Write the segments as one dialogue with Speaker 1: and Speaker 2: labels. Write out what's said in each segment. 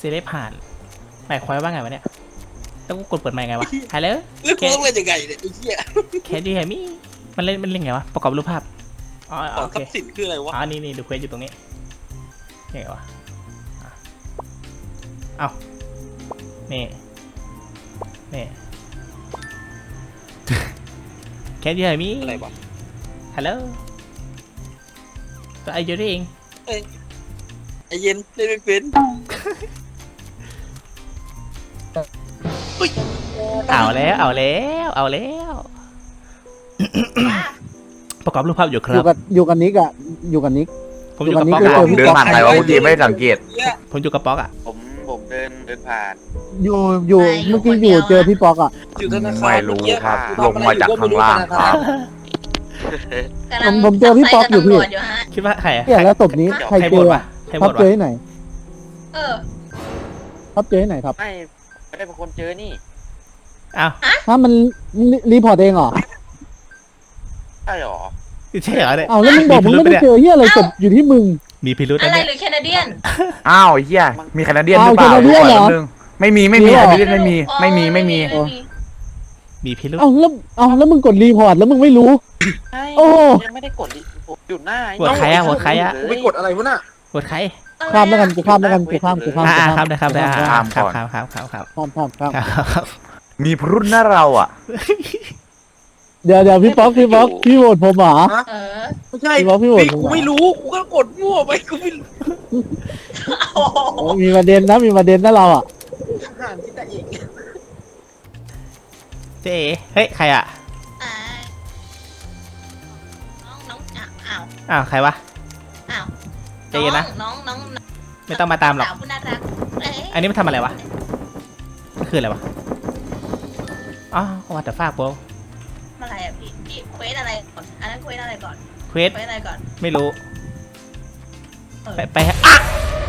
Speaker 1: เซเลบผ่านหมายความว่าไงวะเนี่ยต้องกดเปิดใหม่ไงวะฮัลโหล
Speaker 2: แล้วกูต้องเล่นยังไงเนี่ยไอ้เหี้ย
Speaker 1: แคดดี้แฮมี่มันเล่นไงวะประกอบรูปภาพอ๋อ
Speaker 2: ขอ
Speaker 1: โอง เค
Speaker 2: ทรัพย์สินคืออะไรวะ
Speaker 1: อ๋อนี่ดูเควสอยู่ตรงนี้ไงวะเอานี่แคดดี้แฮมี่
Speaker 2: อะไรวะ
Speaker 1: ฮัลโหลตัวไอเดียเอง
Speaker 2: ไอ้เย็นเล่นไม่เป็นอุ้ย
Speaker 1: เอาแล้วประกอบรูปภาพอยู่ค
Speaker 3: อ
Speaker 1: รั
Speaker 3: ยู่
Speaker 1: บ
Speaker 3: กับนิกอะอยู่กับนิก
Speaker 1: ผมอยู่กับ
Speaker 3: อยู่
Speaker 1: ป๊อก
Speaker 3: กับนิก
Speaker 1: อะ
Speaker 4: เดินผ่านใครวะเมื่อกี้ไม่ได้สังเกต
Speaker 1: ผมอยู่กับป๊อกอะ
Speaker 4: ผมเดินผ่าน
Speaker 3: อยู่
Speaker 5: ไม่
Speaker 3: เมื่อกี้
Speaker 5: คนเดี
Speaker 3: อยู่
Speaker 5: ยว
Speaker 3: เจอพี่ป๊อกอะ
Speaker 2: อยู่ธนาคาร
Speaker 4: ไม่รู้ครับลงมาจากข้างล่างครับ
Speaker 3: ผมเจอพี่ป๊อกอยู่พี่
Speaker 1: คิดว่าใครอะ
Speaker 3: เนี่ยแล้วศพนี้ใคร
Speaker 1: ใคร
Speaker 3: เจ
Speaker 1: บ่น
Speaker 3: อ
Speaker 1: วะ
Speaker 3: อะ
Speaker 1: ใคร
Speaker 3: ท็อ
Speaker 1: บ่
Speaker 3: ป
Speaker 1: น
Speaker 3: เจอ
Speaker 1: วะ
Speaker 3: ที่ไหน
Speaker 5: เออ
Speaker 3: ท็อปเจอที่ไหนครับ
Speaker 4: ไม่ได้เป็นคนเจอนี่
Speaker 1: อ้าว
Speaker 3: ถ้ามันรีพอร์ตเองเหรอ
Speaker 4: ใช่หรอ
Speaker 1: ใช่เหรอเนี่ย
Speaker 3: เอาแล้วมึงบอกมึงไม่ได้เจอเฮียอะไรศพอยู่ที่มึง
Speaker 1: มีพิรุธ
Speaker 5: อะ
Speaker 1: นะ
Speaker 5: ไร
Speaker 1: เนี่ย
Speaker 5: หรือแคนาเดียน
Speaker 4: อ้าวเฮียมีแคนาเดียนหรือเปล่า
Speaker 3: เอาแคนาเดียนเหรอ
Speaker 4: แป๊บนึงไม่มีแคนาเดียนไม่มี
Speaker 1: มีพิรุธ
Speaker 3: แล้วมึงกดรีพอร์ตแล้วมึงไม่รู้ โอ้
Speaker 4: ยังไม่ได้กดผมอยู่หน้า
Speaker 1: โหวตใครอะโหวตใครอะ
Speaker 2: กูไปกดอะไรวะน่ะ
Speaker 1: โหวตใคร
Speaker 3: ข้ามแล้วกันกูข้ามแล้วกันกูข้าม
Speaker 1: ครับได้ครับ
Speaker 3: ข้าม
Speaker 1: ครับ
Speaker 4: มีพรุษหน้าเราอ่ะ
Speaker 3: เดี๋ยวพี่ป๊อกพี่โหวตผมเหรอ
Speaker 5: เออ
Speaker 2: ไม่ใช่
Speaker 3: พี่บอกพี่โหวต
Speaker 2: กูไม่รู้กูก็กดมั่วไปกูไม่รู้
Speaker 5: โอ้โห
Speaker 3: โอ้มีประเด็นนะเราอะ
Speaker 2: อ่านที่แต่เอง
Speaker 1: เจ๊เฮ้ยใครอะ
Speaker 5: อ่าน้องอ้าว
Speaker 1: อ้าวใครวะ
Speaker 5: อ้าว
Speaker 1: ใจเย็นนะ
Speaker 5: น้อง
Speaker 1: ไม่ต้องมาตามหรอก
Speaker 5: สาวผู้น่ารักเย
Speaker 1: อันนี้มันทำอะไรวะมันคืออะไรวะอ๋อวัตถุฟ้าโป
Speaker 5: อะไรอ่ะพี่เควสอะไรก่อนอันนั้นเควสอะไรก่อน
Speaker 1: เควส
Speaker 5: เควสอะไรก่อน
Speaker 1: ไม่รู้
Speaker 5: เออ
Speaker 1: ไปฮะอ่ะ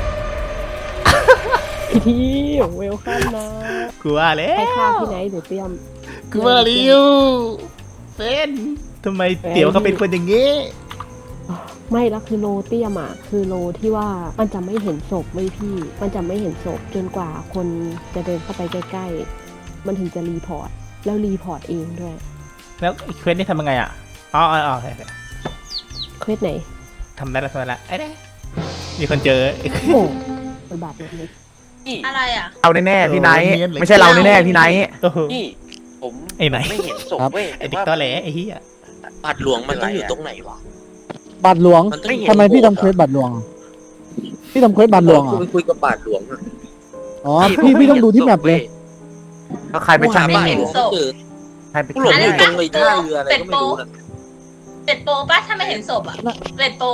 Speaker 6: พี่ที่เวลคัมนะ
Speaker 1: กูว่าแล้
Speaker 6: ให้ข้าว วที่ไหนเดี๋ยวเตรียม
Speaker 1: กูว่าลิวเป็นทำไมเตี๋ยวเขาเป็นคนอย่างงี้
Speaker 6: ไม่แล้วคือโลเตรียมอ่ะคือโลที่ว่ามันจะไม่เห็นศพไม่พี่ มันจะไม่เห็นศพจนกว่าคนจะเดินเข้าไปใกล้ๆมันถึงจะรีพอร์ตแล้วรีพอร์ตเองด้วย
Speaker 1: แล้วเควสนี่ทำยังไงอ่ะอ๋อโอเค
Speaker 6: เควสไหน
Speaker 1: ทำได้แล้วไอ้เนี่ยมีคนเจอ
Speaker 6: โอ้มันบาปเลย
Speaker 5: อะไรอ่ะ
Speaker 4: เราแน่ๆพี่ไนท์ไม่ใช่เราแน่ๆพี่ไนท์
Speaker 1: โอ้โห
Speaker 4: นี่ผม
Speaker 1: ไอ้ไหน
Speaker 4: ไม่เห็นศพเว้ย
Speaker 1: ไอ้เด็กตอแหลไอ้เหี้ย
Speaker 2: บาทหลวงมันต้องอยู่ตรงไหนวะ
Speaker 3: บัตรหลวง
Speaker 2: มันต้อง
Speaker 3: ทำไมพี่ทำเควสบัตรหลวงอะพี่ทำเควสบัตรหลวงเหร
Speaker 2: กู
Speaker 3: อ
Speaker 2: ไปคุยกับบาทหลวงอะ
Speaker 3: อ๋อพี่ต้องดูที่แมปเลย
Speaker 4: ก็ใครไปช่าง
Speaker 2: กูหา
Speaker 4: นี่
Speaker 2: บาทหลวงไม่เจอ
Speaker 4: ใครไป
Speaker 2: กูหลง
Speaker 4: ช่าง
Speaker 2: อยู่
Speaker 4: นี่
Speaker 2: ตรงไอ้ท่าเรืออะไรก็ไม่รู้นะ
Speaker 5: เป็ดโปปะถ้าไม่เห็นศพอ่ะเป็ดโป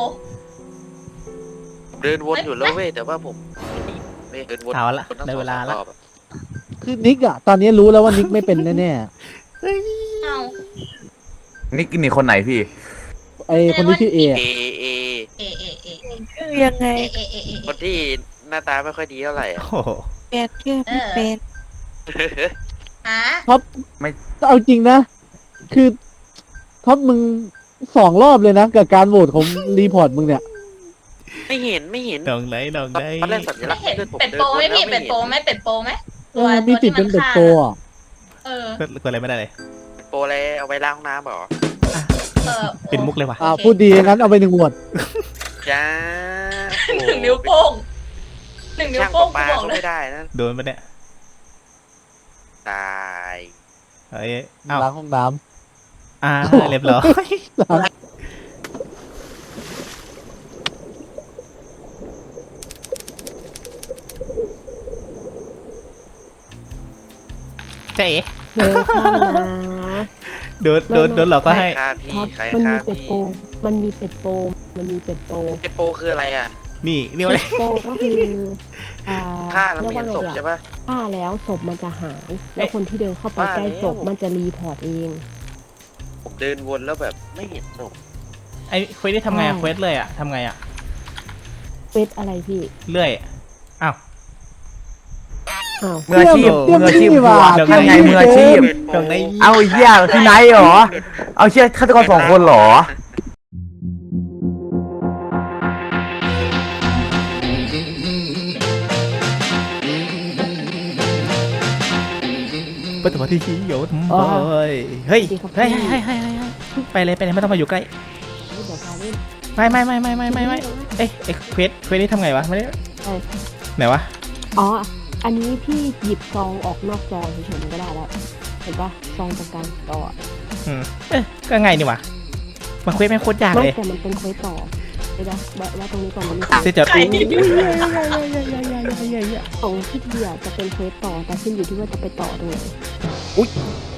Speaker 4: เดินวนอยู่แล้วเว้ยแต่ว่าผมไม่เดินวน
Speaker 1: เอาละได้เวลาละ
Speaker 3: คือนิกอะตอนนี้รู้แล้วว่านิกไม่เป็นแน่
Speaker 5: เอา
Speaker 4: นี่กินนี่คนไหนพี่
Speaker 3: ๆไอคนที่ชื่อเอ
Speaker 4: เอเอ
Speaker 5: เอเอเอเอ
Speaker 7: ยังไง
Speaker 5: เอเอเอ
Speaker 4: คนที่หน้าตาไม่ค่อยดีเท่าไหร่อะ
Speaker 1: โอ้โห
Speaker 7: เปลี่ยนชื่อไม่เป็น
Speaker 5: ฮะ
Speaker 3: เอาจริงนะ คือท็อปมึง2 รอบเลยนะกับการโหวตของรีพอร์ตมึงเนี่ย
Speaker 4: ไม่เห็น
Speaker 1: ดองไหน
Speaker 4: ตอนแรกสัญลั
Speaker 5: ไม่
Speaker 4: กษณ์
Speaker 5: เห็น
Speaker 4: เลือดผม
Speaker 5: เป็ด
Speaker 4: เดิน
Speaker 5: โป
Speaker 4: วน
Speaker 5: ไหม
Speaker 4: แล้ว
Speaker 5: พี่
Speaker 4: ไม่
Speaker 5: เป็ด
Speaker 4: เห็
Speaker 5: โป
Speaker 4: น
Speaker 5: ไหมเป็ดโปไหม
Speaker 3: มีติดเป็นเป็ดโตอ่ะ
Speaker 5: เออ
Speaker 1: กดอะไรไม่ได้เลย
Speaker 4: โปรอะไรเอาไว้ล้างห้องน้ำเหรอ
Speaker 1: เป็นมุกเลยว่ะ
Speaker 3: พูดดีงั้นเอาไป1 โหวต
Speaker 4: จ้า
Speaker 5: 1 นิ้วโป้ง1 นิ้ว
Speaker 4: ช่าง
Speaker 5: โป้ง
Speaker 4: ปลา
Speaker 5: กูบอก
Speaker 4: เขา
Speaker 5: เลย
Speaker 4: ไม่ได้นะ
Speaker 1: โดนปะเนี่ย
Speaker 4: ตาย
Speaker 1: เอ้ยเอ้า
Speaker 3: ล้างห้องน้
Speaker 1: เรียบร้อย
Speaker 3: ำ
Speaker 1: เจ๊
Speaker 6: เวลคัมนะ
Speaker 1: โดนหลอกก็ให้
Speaker 4: ใครฆ่าพี่
Speaker 6: ท็อป
Speaker 4: ใคร
Speaker 6: มัน
Speaker 4: ฆ่า
Speaker 6: มีเป็ด
Speaker 4: พี่
Speaker 6: โปมันมีเป็ดโปมันมีเป็ดโป
Speaker 4: ไอโปรคืออะไรอ่ะ
Speaker 1: นี่เรียกว่า
Speaker 6: เป็ดโปก็คืออ่า
Speaker 4: ฆ่าแล้ว
Speaker 6: เรียก
Speaker 4: ไม่
Speaker 6: ว่า
Speaker 4: เห็น
Speaker 6: ไง
Speaker 4: ศพ
Speaker 6: อะ
Speaker 4: ใช่ปะ
Speaker 6: ฆ่าแล้วศพมันจะหาย แล้วคนที่เดินเข้าไปใกล้ศพมันจะรีพอร์ตเอง
Speaker 4: ผมเดินวนแล้วแบบไม่เห็นศพ
Speaker 1: ไอ้เควสนี่ทำไงอะเควสเลยอะทำไงอะ
Speaker 6: เฟซอะไรพี่
Speaker 1: เลื่อยอ้าว
Speaker 6: อ้าว
Speaker 4: มืออาชีพ
Speaker 3: เตรียม
Speaker 4: มืออาชีพ
Speaker 3: นี่หว่า
Speaker 4: ทำไงมืออาชีพ
Speaker 1: ตรงไหน
Speaker 4: เอาไอ้เหี้ยพี่ไนท์เหรอ เอาเชี่ยฆาตกร2 คนเหรอ
Speaker 1: ปฐมที่ชี้โยนเฮ้ยเฮ้ยไปเลยไม่ต้องมาอยู่ใกล้
Speaker 6: เดี๋ยวพาเล่น
Speaker 1: ไม่เอ้ยเควสนี่ทำไงวะไม่ได้ไหนวะ
Speaker 6: อ๋ออันนี้พี่หยิบซองออกนอกจอเฉยๆมันก็ได้แล้วเห็นปะซองตรงกลางจอ
Speaker 1: ก็ไงนี่วะมาเควสไม่โคตรยาก
Speaker 6: ไม่
Speaker 1: เลย
Speaker 6: แต่มันเป็นเควสต่อเดี๋ยวว่าตรงนี้ก่อนมันมี
Speaker 1: เสียจัดอู้
Speaker 6: ของพี่ทีอ่ะจะเป็นเควสต่อแต่ขึ้นอยู่ที่ว่าจะไปต่อตรงไหน
Speaker 2: โอ้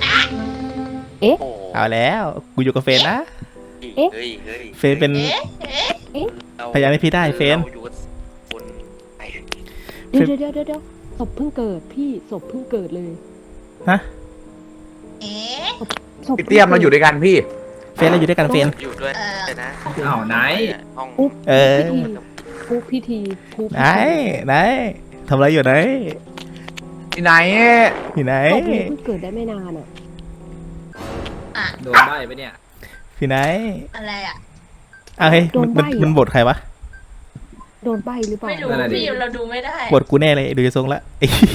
Speaker 1: เอาแล้วกูอยู่กับเฟนนะ
Speaker 2: เฮ้ย
Speaker 1: เฟนเป็น พยานให้พี่ได้เฟน
Speaker 2: ราอยู่กับคนไอ้
Speaker 6: เดี๋ยวศพเพิ่งเกิดพี่ศพเพิ่งเกิดเลย
Speaker 1: ฮะ
Speaker 5: เอ๊ะ
Speaker 6: ศพ
Speaker 4: พี่เตี้ยมเราอยู่ด้วยกันพี่
Speaker 1: เฟนเราอยู่ด้วยกันเฟน
Speaker 2: อยู่ด้วยนะ
Speaker 7: อ้าวไหน
Speaker 2: ห้อง
Speaker 1: เออ
Speaker 6: พิธี
Speaker 1: ไหนทำอะไรอยู่ไหน
Speaker 4: ที่ไหน
Speaker 1: อยู่ไหน
Speaker 6: ศพเพิ่งเกิดได้ไม่นานอ่ะ
Speaker 7: โดนใบ้ไปะเนี่ย
Speaker 1: อยู่ไหน
Speaker 5: อะไรอ่ะ
Speaker 1: เฮ้ยมันบทใครวะ
Speaker 6: โดนใบหรือเปล่า
Speaker 5: ไม่รู้พี่เราดูไม่ได้
Speaker 1: บทกูแน่เลยดูจะทรงละ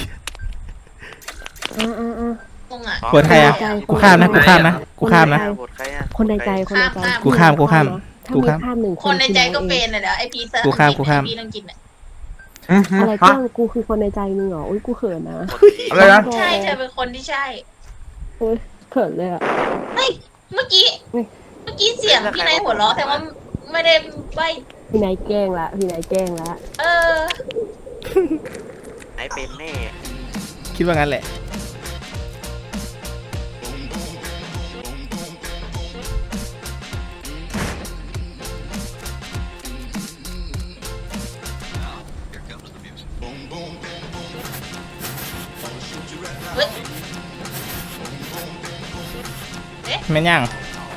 Speaker 5: ตรงอ่ะ
Speaker 1: บทใครอ่ะกูข้ามนะ
Speaker 2: บทใครอ่ะ
Speaker 6: คนในใจ
Speaker 1: กูข้าม
Speaker 6: ถ้ามีข้ามหนึ่ง
Speaker 5: คนในใจก็เป็นเลยเดี๋ยวไอพีเซอร์พี่ต้องกินอ่ะ
Speaker 6: อะไรเพื่อนกูคือคนในใจมึงเหรออุ้ยกูเขินนะ
Speaker 4: อะไรนะ
Speaker 5: ใช่เธอเป็นคนที่ใช่
Speaker 6: เขินเลยอ่ะ
Speaker 5: เมื่อกี้เสียงพี่นายหัวเราะแต่ว่าไม่ได้ใบ
Speaker 6: พี่นายแกล้งละ
Speaker 5: เออ
Speaker 2: ไอ้เป็นแน่
Speaker 1: คิดว่างั้นแหละ แม่นยัง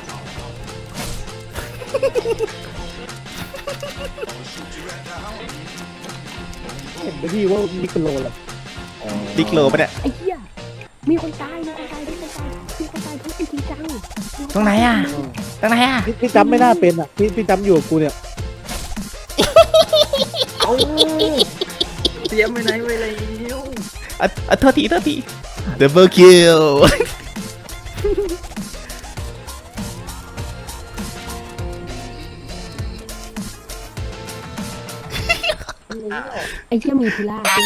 Speaker 3: เห็นไหมพี่ว่ามีคนโลแหละ
Speaker 1: ดิกโลปะเนี่ย
Speaker 6: ไอ้เหี้ยมีคนตายมีคนตายทุกจริงจัง
Speaker 1: ตรงไหนอ่ะ
Speaker 3: พี่จำไม่น่าเป็นอ่ะพี่จำอยู่กับกูเนี่ย
Speaker 7: เอาเตรียมไปไหนไว้เลย
Speaker 1: โทษทีดับเบิลคิว
Speaker 6: ไอ้เหี้ยมีพิล่าด้วย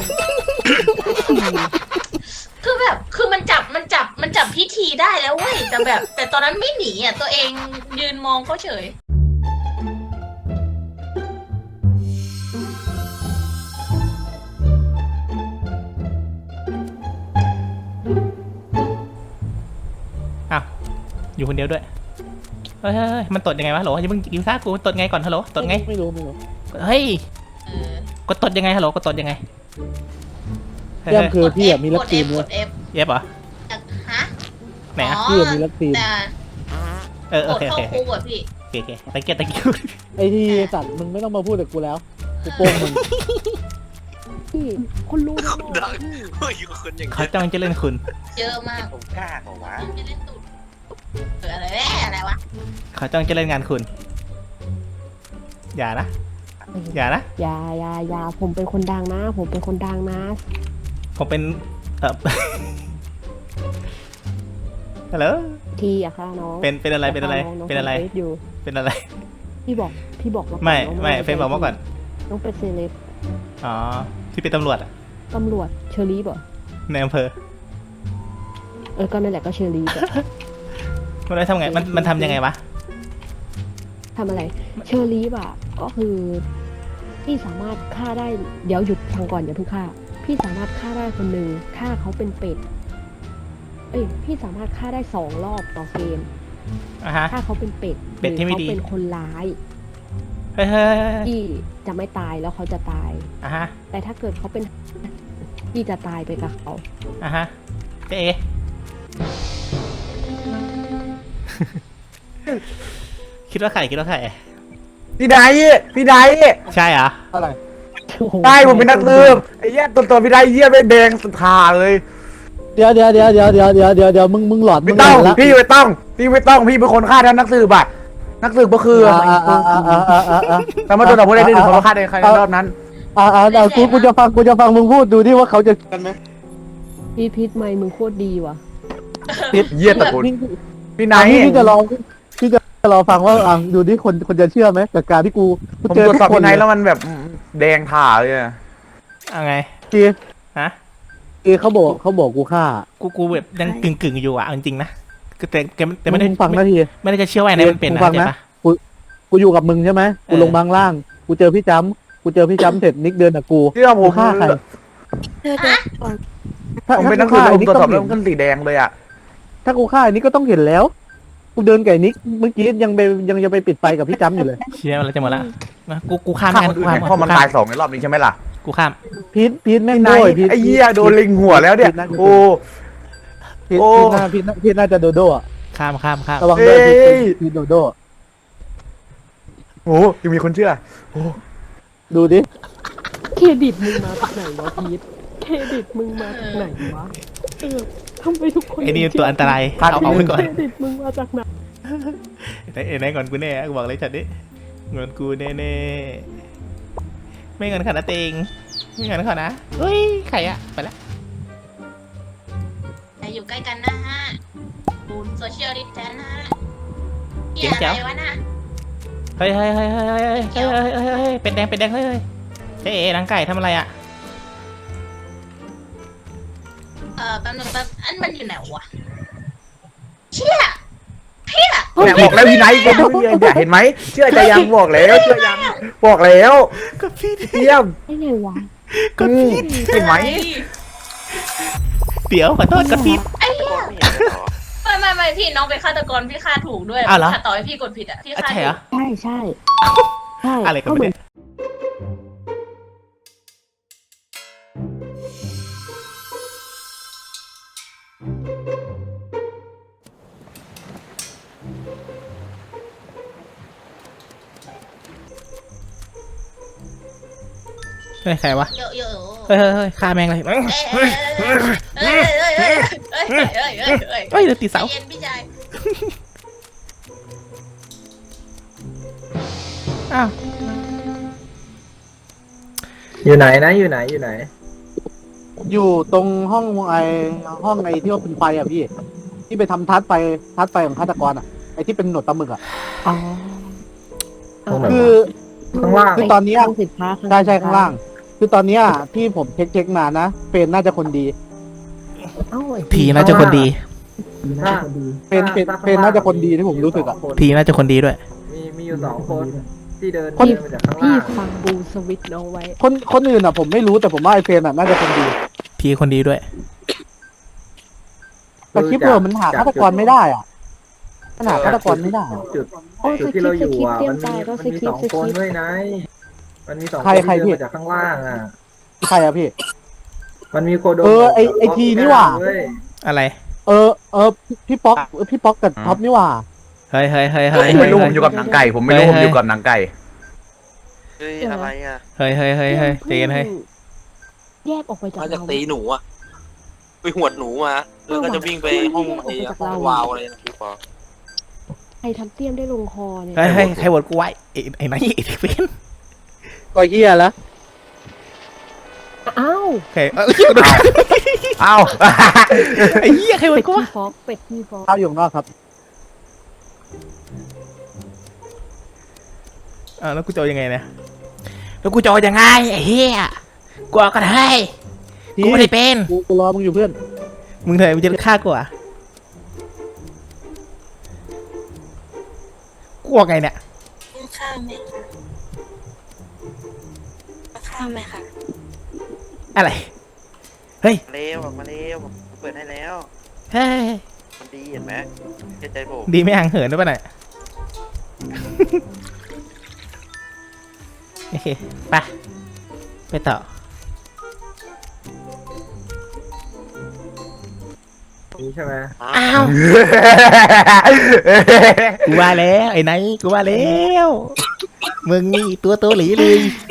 Speaker 5: คือแบบคือมันจับพิธีได้แล้วเว้ยแต่ตอนนั้นไม่หนีอ่ะตัวเองยืนมองเขาเฉย
Speaker 1: อ้าวอยู่คนเดียวด้วยเฮ้ยมันตดยังไงวะฮัลโหลอย่าเพิ่งกินข้าวกูตดไงก่อนฮัลโหลตดไง
Speaker 3: ไม่รู้
Speaker 1: เฮ้ย
Speaker 5: เออก
Speaker 1: ดตดยังไงฮัลโหลกดตดยังไง
Speaker 3: เรื่องคือพี่อะมีลักทีม
Speaker 5: ก
Speaker 3: เนี่
Speaker 5: ด
Speaker 3: ย
Speaker 5: F
Speaker 1: เย็บเหรอ
Speaker 5: ฮะ
Speaker 1: ไหนอ่ะ
Speaker 3: พี่อะมีลักทีม
Speaker 5: แต่
Speaker 1: โอก
Speaker 5: ด
Speaker 1: เค
Speaker 5: เข้าคุกอ่ะพี่
Speaker 1: ตะเกียบ
Speaker 3: ไอ้ที่สัตว์มึงไม่ต้องมาพูดกับกูแล้วกูโป้งมึง
Speaker 6: พี่คนรู้นะ
Speaker 2: เฮ้ยคนอย่าง
Speaker 1: เขาจ้องจะเล่นคุณ
Speaker 5: เยอะมาก
Speaker 2: ผมกล้าเหรอวะ
Speaker 5: ไม่เล่นตูดอะไรวะ
Speaker 1: เขาจ้องจะเล่นงานคุณ อย่านะ
Speaker 6: อย่าผมเป็นคนดังนะ
Speaker 1: ผมเป็นฮัลโหล
Speaker 6: ทีอะค่ะน้อง
Speaker 1: เป็นอะไร
Speaker 6: น้องฟซอยู่
Speaker 1: เป็นอะไร
Speaker 6: พี่บอกมาก่อน
Speaker 1: ไม่เฟนบอกมาก่อน
Speaker 6: น้องเป็นเซเลบ
Speaker 1: อ๋อที่เป็นตำรวจอะ
Speaker 6: ตำรวจเชอรี่ป่ะ
Speaker 1: ในอำเภอ
Speaker 6: ก็นั่นแหละก็เชอรี่ป่ะ
Speaker 1: มันได้ทำไงมันทำยังไงวะ
Speaker 6: ทำอะไรเชอรี่ป่ะก็คือพี่สามารถฆ่าได้เดี๋ยวหยุดฟังก่อนอย่าเพิ่งฆ่าพี่สามารถฆ่าได้คนหนึ่งฆ่าเขาเป็นเป็ดพี่สามารถฆ่าได้2 รอบต่อเกม
Speaker 1: อ่ะฮะ
Speaker 6: ถ้าเขาเป็นเป็ด
Speaker 1: เป็ดที่ไม่ดี
Speaker 6: หรือเขาเป็นคนร้าย
Speaker 1: เฮ้ย
Speaker 6: พี่จะไม่ตายแล้วเขาจะตาย
Speaker 1: อ่ะฮะ
Speaker 6: แต่ถ้าเกิดเขาเป็นพี่จะตายไปกับเขา
Speaker 1: อ่ะฮะเจ๊คิดว่าใคร
Speaker 4: พี่ได
Speaker 1: ใช่เหรอ
Speaker 3: อะไร
Speaker 4: ใช่ผมเป็นนักสืบไอ้เหี้ยตัวพี่ไดเหี้ยไม่แดงสุดขาเลย
Speaker 3: เดี๋ยวมึงหลอดมึ
Speaker 4: ไม่
Speaker 3: ง
Speaker 4: ต้อง
Speaker 3: ละ
Speaker 4: พี่ไม่ต้องพี่เป็นคนฆ่าท่านนักสืบอะนักสืบก็คือแต่มาตัวต่อผู้ใดหนึ่งคนฆ่าในใครรอบนั้น
Speaker 3: กูจะฟังมึงพูดดูดิว่าเขาจะกันไหม
Speaker 6: พี่พิษไมค์มึงโคตรดีว่ะ
Speaker 4: เยี่ยตะกุน
Speaker 3: พี่
Speaker 4: พี่ไน
Speaker 3: พี่จะรอฟังว่าดูดิคนจะเชื่อไหมกับการที่กู
Speaker 4: ผม
Speaker 3: เจอ
Speaker 4: ตรวจ
Speaker 3: ทุก
Speaker 4: สอบ
Speaker 3: คน
Speaker 4: พี่ไนแล้วมันแบบแดงถ่าเลยอะ
Speaker 1: เอาไง
Speaker 3: จี
Speaker 1: ฮะ
Speaker 3: จีเขาบอกกูฆ่า
Speaker 1: กูแบบยังกึ่งอยู่อ่ะเอาจริงๆนะคือแต่ไม่ได้
Speaker 3: มึงฟังนาที
Speaker 1: ไม่ได้จะเชื่อว่าไอ้นายมันเป็น
Speaker 3: มึ
Speaker 1: นะ
Speaker 3: งฟัง
Speaker 1: เข้าใจ
Speaker 3: นะ
Speaker 1: ปะ
Speaker 3: กูอยู่กับมึงใช่ไหมกูลงบางล่าง กูเจอพี่จ้ำเสร็จนิกเดินกับกู
Speaker 4: เชื่อผม
Speaker 3: ฆ่าใคร
Speaker 4: ผมเป็นนักสืบผมตรวจสอบแล้วมันขึ้นสีแดงเลยอะ
Speaker 3: ถ้ากูฆ่าอันนี้ก็ต้องเห็นแล้ว กูเดินไก่นิกเมื่อกี้ยังจะไปปิดไฟกับพี่จ้ำอยู่เลย
Speaker 1: เชื่อมันแล้วจะหมดละมากูข้าม
Speaker 4: ฆ่า
Speaker 1: กั
Speaker 4: คน นอื่
Speaker 1: กู
Speaker 4: น
Speaker 1: ข้าม
Speaker 4: เนี่ยเพราะมันตาย2ในรอบนี้ใช่ไหมล่ะ
Speaker 1: กูข้าม
Speaker 3: พีทแม่ง
Speaker 4: ไน
Speaker 3: โด้วยพีท
Speaker 4: ไอ้เหี้ยโดนลิงหัวแล้วเนี่ยโอ้
Speaker 3: พีท
Speaker 4: โอ้
Speaker 3: พีทน่าจะโดโดอ่ะ
Speaker 1: ข้าม
Speaker 3: ระวังด้วย
Speaker 4: เอ้ย
Speaker 3: พีทโดโด
Speaker 4: โหยังมีคนเชื่อ
Speaker 3: ดูดิ
Speaker 6: เครดิตมึงมาจากไหนวะพีทเครดิตมึงมาจากไหนวะทำไมทุกคน
Speaker 1: ไอ้นี่ตัวอันตราย
Speaker 4: พลาด
Speaker 1: เอาไว้ก่อน
Speaker 6: เครดิตมึงมาจากไหน
Speaker 1: ไอ้ไหนก่อนกูแน่กูบอกเลยจัดดิเงินกูแน่ๆไม่เงินขนาดเต็งไม่เงินขนาดนะเฮ้ยใครอะไปละ
Speaker 5: แต่อยู่ใกล้กันนะฮะดูโซเชียลดิสแทนนะฮะเหี้ยอะไรวะน่ะ
Speaker 1: เฮ้ยเป็นแดงเฮ้ยเจ๊นางไก่ทำอะไรอะ
Speaker 5: แป๊บนึงอันมันอยู่ไหนวะเชี่ยพี่อะ
Speaker 4: เนี่ยบอกแล้วพี่ไนท์ก็ไม่เนี่ยเห็นไหมเชื่อใจยังบอกแล้วเชื่อยังบอกแล้ว
Speaker 1: ก็พี่
Speaker 4: เยี่ยม
Speaker 6: ได้ไงวะ
Speaker 1: ก็พี่
Speaker 4: เห็นไหม
Speaker 1: เดี๋ยวขอโทษก็พี่
Speaker 5: ไอ้เหี้ย
Speaker 2: ไม่เห็นเหรอ
Speaker 5: ไม่พี่น้องเป็นฆาตกรพี่ฆ่าถูกด้วย
Speaker 1: อ้าวเหรอ
Speaker 5: ถ้าต่อให้พี่กดผิดอะพี่ฆ่า
Speaker 1: ใช่
Speaker 5: ถู
Speaker 1: เหรอก
Speaker 6: ใช่ใช่
Speaker 1: อะไรกัน
Speaker 6: เหมื
Speaker 1: เนี่
Speaker 6: อย น
Speaker 1: เฮ้ยใครวะ
Speaker 5: เยอะ
Speaker 1: เฮ้ยฆ่าแม่งเลย
Speaker 5: เฮ้ย
Speaker 1: เฮ้ยเดี๋ยวตีเสา
Speaker 5: เย็นพี่ชาย
Speaker 1: อ้าว
Speaker 7: อยู่ไหนนะอยู่ไหน
Speaker 3: อยู่ตรงห้องไอที่ว่าเป็นไฟอ่ะพี่ ที่ไปทำทัดไฟของฆาตกรอ่ะไอที่เป็นหนวดปลาหมึกอ่ะ
Speaker 6: อ๋อ
Speaker 7: ตรงไหน
Speaker 3: คือ
Speaker 7: ข้างล่าง
Speaker 3: คือตอนเนี้ย
Speaker 6: ห้งสินค้า
Speaker 3: ใช่ข้างล่าง คือตอนเนี้ยที่ผมเช็คมานะเฟรนน่าจะคนดี
Speaker 6: เอ้าไอ้
Speaker 1: ทีน่าจะคนดี
Speaker 3: เฟรนน่าจะคนดีที่ผมรู้สึกอ่ะ
Speaker 1: ทีน่าจะคนดีด้วย
Speaker 7: มีอยู่2 คนที่เดิน
Speaker 3: คน
Speaker 7: มาจากข้าง
Speaker 6: พี่
Speaker 7: ล่าง
Speaker 6: ฟังบูสวิตช์เอาไว้
Speaker 3: คนอื่นอ่ะผมไม่รู้แต่ผมว่าไอเฟรนอ่ะน่าจะคนดี
Speaker 1: ทีคนดีด้วย
Speaker 3: แต่คลิปเออมันหาฆาตกรไม่ได้อ่ะมันหาฆาตกรไม่ได้อะ
Speaker 7: จุด
Speaker 6: โอ้ย
Speaker 7: จุดที่เราอยู่อ่ะ
Speaker 6: สคริปต์
Speaker 7: มัน
Speaker 6: เตรียมตายก็
Speaker 7: มี
Speaker 6: สคริปต์
Speaker 7: 2 คนด้วยนะมันมี2
Speaker 3: ใคร
Speaker 7: คน
Speaker 3: ใคร
Speaker 7: ที่
Speaker 3: พี่
Speaker 7: เดินมาจากข้างล่างอ่ะ
Speaker 3: ใครอ่ะพี่
Speaker 7: มันมีโคโด
Speaker 3: ไอทีนี่หว่า
Speaker 7: เว้ย
Speaker 1: อะไร
Speaker 3: พี่ป๊อกกับท็อปนี่หว่า
Speaker 1: เฮ้ย
Speaker 4: ผมไม่รู้ผมอยู่กับนางไก่ ผมไม่รู้ผมอยู่กับนางไก่
Speaker 2: เฮ้ยอะไรอ่ะ
Speaker 1: เฮ้ยใจเย็นเฮ้ย
Speaker 6: แยกออกไปจาก
Speaker 2: มาจาก
Speaker 6: เรา
Speaker 2: ตีหนูอ่ะไปหวดหนูมาแล้วก็จะวิ่งไปห้องไอ้ห้องวาวอะไรนะพี่ปอ
Speaker 6: ใครทำเตี้ยมได้ลงคอเนี่ย
Speaker 1: เฮ้ยใครโหวตกูไว้ไอ้ไหนไอ้เฟน
Speaker 3: ก็เฮียแล้ว
Speaker 6: อ้าว
Speaker 1: ใคร
Speaker 4: เอ้า
Speaker 1: ไอ้เหี้ยใครโหว
Speaker 6: เป็
Speaker 1: ต
Speaker 6: ด
Speaker 1: กู
Speaker 6: ที่
Speaker 1: วะ
Speaker 6: ฟอกเป็ดที่ฟอก
Speaker 3: ข้าวอยู่ข้างนอกครับ
Speaker 1: แล้วกูจะเอายังไงเนี่ยแล้วกูจะเอายังไงไอ้เหี้ยกูเอาก็ได้กูไม่ได้เป็น
Speaker 3: กูรอมึงอยู่เพื่อน
Speaker 1: มึงเถอะมึงจะฆ่ากูอ่ะกูเอาไงเนี่ย
Speaker 5: ข้ามไหมคะข้ามไหมคะ
Speaker 1: อะไรเฮ้ย
Speaker 2: เร็วออกมาเร็วผมเปิดให้แล้ว
Speaker 1: เฮ้ย
Speaker 2: มันดีเห็นไหมเชื่อใจผม
Speaker 1: ดีไม่ห่างเหินด้วยป่ะเนี่ยโอเคไปต่อ
Speaker 7: นี่ใช่ไหม
Speaker 1: อ้าวกูว่าแล้วไอ้ไหนกูว่าแล้วมึงนี่ตัวหลีเลย